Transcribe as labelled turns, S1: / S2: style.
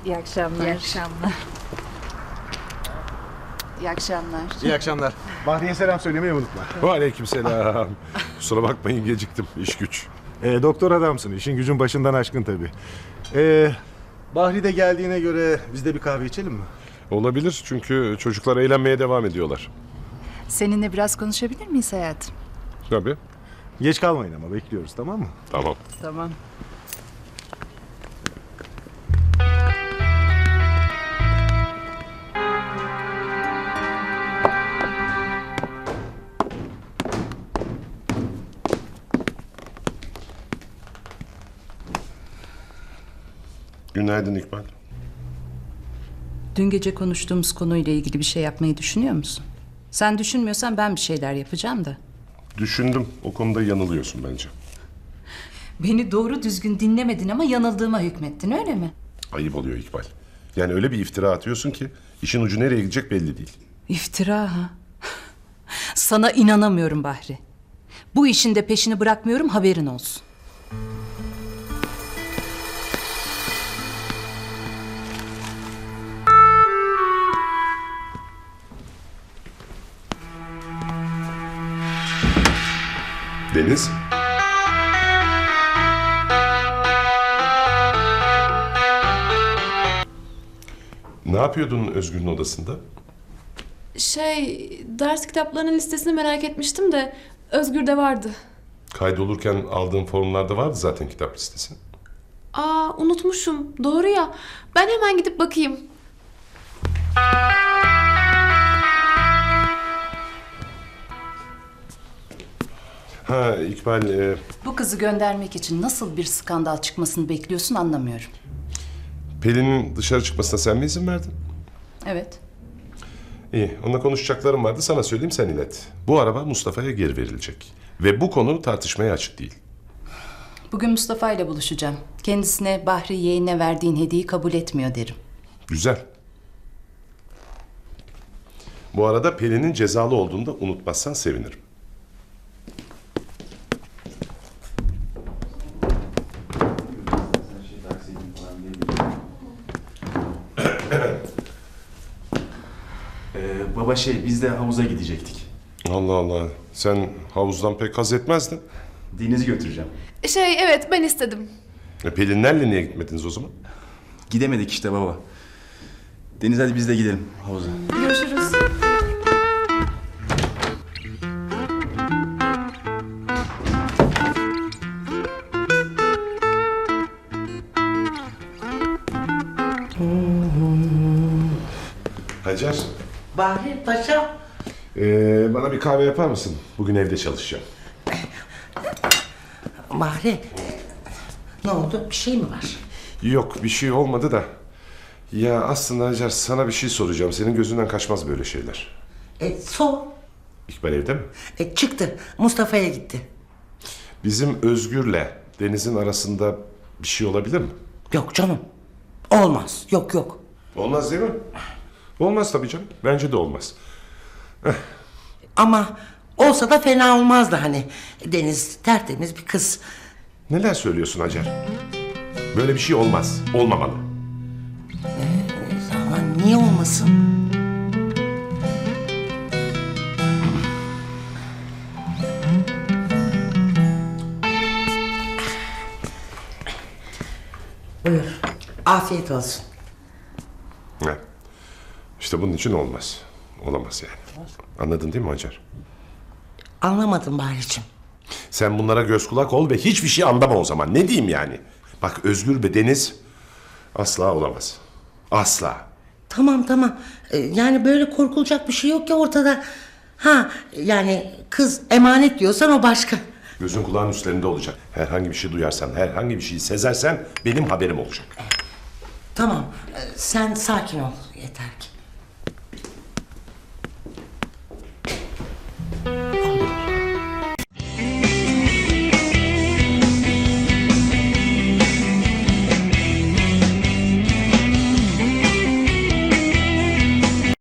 S1: İyi akşamlar.
S2: İyi akşamlar.
S1: İyi akşamlar.
S3: İyi akşamlar. Bahriye selam söylemeyi unutma.
S4: Aleykümselam. Kusura bakmayın geciktim. İş güç.
S3: Doktor adamsın. İşin gücün başından aşkın tabii. Bahri de geldiğine göre biz de bir kahve içelim mi?
S4: Olabilir çünkü çocuklar eğlenmeye devam ediyorlar.
S2: Seninle biraz konuşabilir miyiz hayatım?
S4: Tabii.
S3: Geç kalmayın ama bekliyoruz, tamam mı?
S4: Tamam.
S2: Tamam.
S4: Günaydın İkbal.
S2: Dün gece konuştuğumuz konuyla ilgili bir şey yapmayı düşünüyor musun? Sen düşünmüyorsan ben bir şeyler yapacağım da.
S4: Düşündüm. O konuda yanılıyorsun bence.
S2: Beni doğru düzgün dinlemedin ama yanıldığıma hükmettin, öyle mi?
S4: Ayıp oluyor İkbal. Yani öyle bir iftira atıyorsun ki işin ucu nereye gidecek belli değil.
S2: İftira ha? Sana inanamıyorum Bahri. Bu işin de peşini bırakmıyorum, haberin olsun.
S4: Deniz. Ne yapıyordun Özgür'ün odasında?
S5: Ders kitaplarının listesini merak etmiştim de Özgür'de vardı.
S4: Kaydolurken aldığın formlarda vardı zaten kitap listesi.
S5: Aa, unutmuşum. Doğru ya. Ben hemen gidip bakayım.
S4: Ha İkbal,
S2: Bu kızı göndermek için nasıl bir skandal çıkmasını bekliyorsun anlamıyorum.
S4: Pelin'in dışarı çıkmasına sen mi izin verdin?
S2: Evet.
S4: İyi, onunla konuşacaklarım vardı. Sana söyleyeyim, sen ilet. Bu araba Mustafa'ya geri verilecek. Ve bu konu tartışmaya açık değil.
S2: Bugün Mustafa ile buluşacağım. Kendisine Bahri yeğenine verdiğin hediyeyi kabul etmiyor derim.
S4: Güzel. Bu arada Pelin'in cezalı olduğunu da unutmazsan sevinirim.
S6: Baba biz de havuza gidecektik.
S4: Allah Allah. Sen havuzdan pek haz etmezdin.
S6: Deniz'i götüreceğim.
S5: Evet, ben istedim.
S4: Pelinlerle niye gitmediniz o zaman?
S6: Gidemedik işte baba. Deniz hadi biz de gidelim havuza.
S5: Görüşürüz.
S4: Hacer,
S7: Bahri Paşa.
S4: bana bir kahve yapar mısın? Bugün evde çalışacağım.
S7: Bahri. Ne oldu? Bir şey mi var?
S4: Yok, bir şey olmadı da. Ya aslında Hacer, sana bir şey soracağım. Senin gözünden kaçmaz böyle şeyler.
S7: Sor.
S4: İkbal evde mi?
S7: Çıktı. Mustafa'ya gitti.
S4: Bizim Özgür'le Deniz'in arasında bir şey olabilir mi?
S7: Yok canım. Olmaz. Yok.
S4: Olmaz değil mi? Olmaz tabii canım. Bence de olmaz.
S7: Ama olsa da fena olmazdı hani. Deniz tertemiz bir kız.
S4: Neler söylüyorsun Hacer? Böyle bir şey olmaz. Olmamalı.
S7: Aman niye olmasın? Buyur. Afiyet olsun.
S4: Ha. İşte bunun için olmaz. Olamaz yani. Anladın değil mi Hacer?
S7: Anlamadım Bahri'cim.
S4: Sen bunlara göz kulak ol ve hiçbir şey anlama o zaman. Ne diyeyim yani? Bak Özgür ve Deniz asla olamaz. Asla.
S7: Tamam. Yani böyle korkulacak bir şey yok ya ortada. Ha yani kız emanet diyorsan o başka.
S4: Gözün kulağın üstlerinde olacak. Herhangi bir şey duyarsan, herhangi bir şey sezersen benim haberim olacak.
S7: Tamam sen sakin ol yeter ki.